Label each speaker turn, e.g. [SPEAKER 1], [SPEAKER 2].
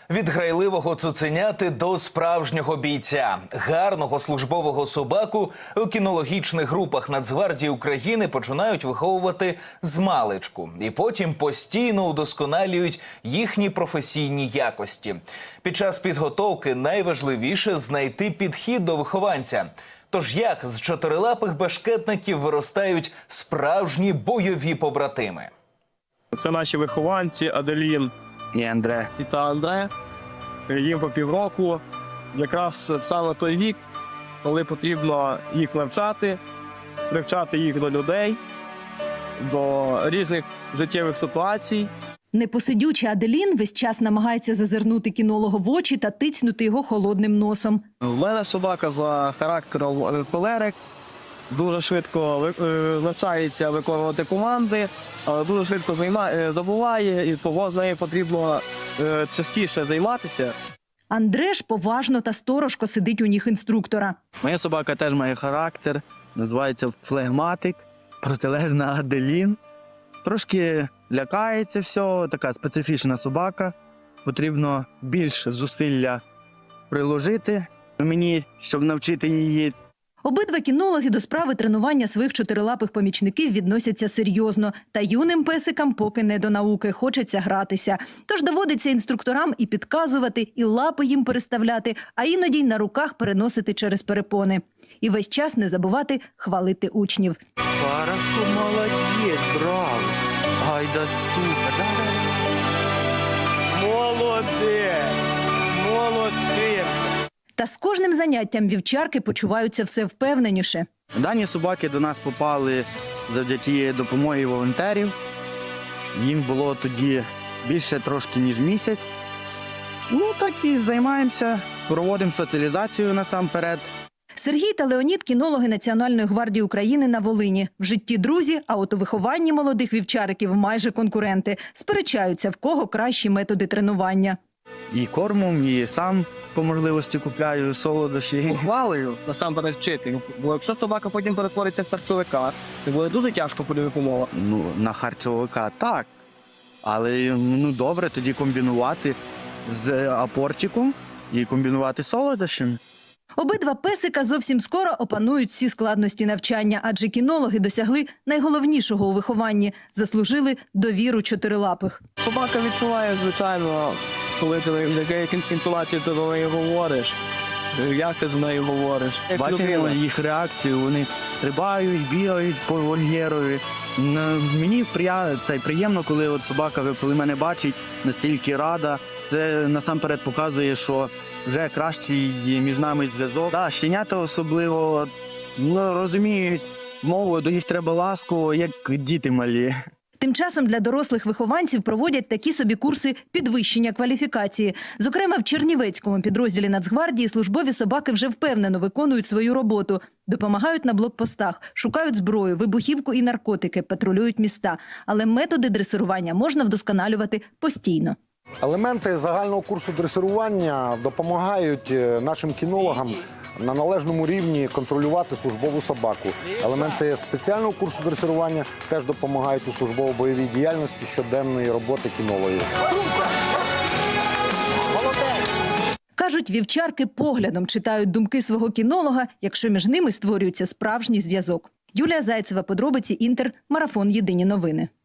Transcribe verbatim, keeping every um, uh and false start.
[SPEAKER 1] Від грайливого цуценяти до справжнього бійця. Гарного службового собаку у кінологічних групах Нацгвардії України починають виховувати змалечку. І потім постійно удосконалюють їхні професійні якості. Під час підготовки найважливіше знайти підхід до вихованця. Тож як з чотирилапих бешкетників виростають справжні бойові побратими?
[SPEAKER 2] Це наші вихованці Аделін
[SPEAKER 3] і Андре.
[SPEAKER 2] і та Андре. Їм по півроку. Якраз саме той вік, коли потрібно їх навчати, привчати їх до людей, до різних життєвих ситуацій.
[SPEAKER 4] Непосидюча Аделін весь час намагається зазирнути кінологу в очі та тицнути його холодним носом.
[SPEAKER 2] У мене собака за характером холерик. Дуже швидко навчається виконувати команди, але дуже швидко забуває, і того з нею потрібно частіше займатися.
[SPEAKER 4] Андре ж поважно та сторожко сидить у ніг інструктора.
[SPEAKER 3] Моя собака теж має характер, називається флегматик, протилежна Аделін. Трошки лякається все, така специфічна собака. Потрібно більше зусилля приложити мені, щоб навчити її.
[SPEAKER 4] Обидва кінологи до справи тренування своїх чотирилапих помічників відносяться серйозно. Та юним песикам поки не до науки, хочеться гратися. Тож доводиться інструкторам і підказувати, і лапи їм переставляти, а іноді й на руках переносити через перепони. І весь час не забувати хвалити учнів.
[SPEAKER 3] Хорошо, молодець, браво. Гайда, супер.
[SPEAKER 2] Молодець! Молодець!
[SPEAKER 4] Та з кожним заняттям вівчарки почуваються все впевненіше.
[SPEAKER 3] Дані собаки до нас попали завдяки допомоги волонтерів. Їм було тоді більше трошки, ніж місяць. Ну, так і займаємося, проводимо соціалізацію насамперед.
[SPEAKER 4] Сергій та Леонід – кінологи Національної гвардії України на Волині. В житті друзі, а от у вихованні молодих вівчариків майже конкуренти. Сперечаються, в кого кращі методи тренування.
[SPEAKER 3] І кормом, і сам по можливості купляю солодощі.
[SPEAKER 2] Ухвалою насамперед вчити, бо якщо собака потім перетвориться в харчовика, то буде дуже тяжко подивити умова.
[SPEAKER 3] Ну, на харчовика так, але ну добре тоді комбінувати з апортиком і комбінувати солодощами.
[SPEAKER 4] Обидва песика зовсім скоро опанують всі складності навчання, адже кінологи досягли найголовнішого у вихованні – заслужили довіру чотирилапих.
[SPEAKER 2] Собака відчуває, звичайно, коли ти в якій інтонації ти до неї говориш, як ти з нею говориш.
[SPEAKER 3] Бачимо їх реакцію, вони стрибають, бігають по вольєрові. Мені це приємно, коли от собака, коли мене бачить, настільки рада. Це насамперед показує, що вже кращий між нами зв'язок. Да, щенята особливо ну, розуміють мову, до них треба ласку, як діти малі.
[SPEAKER 4] Тим часом для дорослих вихованців проводять такі собі курси підвищення кваліфікації. Зокрема, в Чернівецькому підрозділі Нацгвардії службові собаки вже впевнено виконують свою роботу. Допомагають на блокпостах, шукають зброю, вибухівку і наркотики, патрулюють міста. Але методи дресирування можна вдосконалювати постійно.
[SPEAKER 5] Елементи загального курсу дресирування допомагають нашим кінологам на належному рівні контролювати службову собаку. Елементи спеціального курсу дресирування теж допомагають у службово-бойовій діяльності щоденної роботи кінологів.
[SPEAKER 4] Кажуть, вівчарки поглядом читають думки свого кінолога, якщо між ними створюється справжній зв'язок. Юлія Зайцева, подробиці Інтер, марафон «Єдині новини».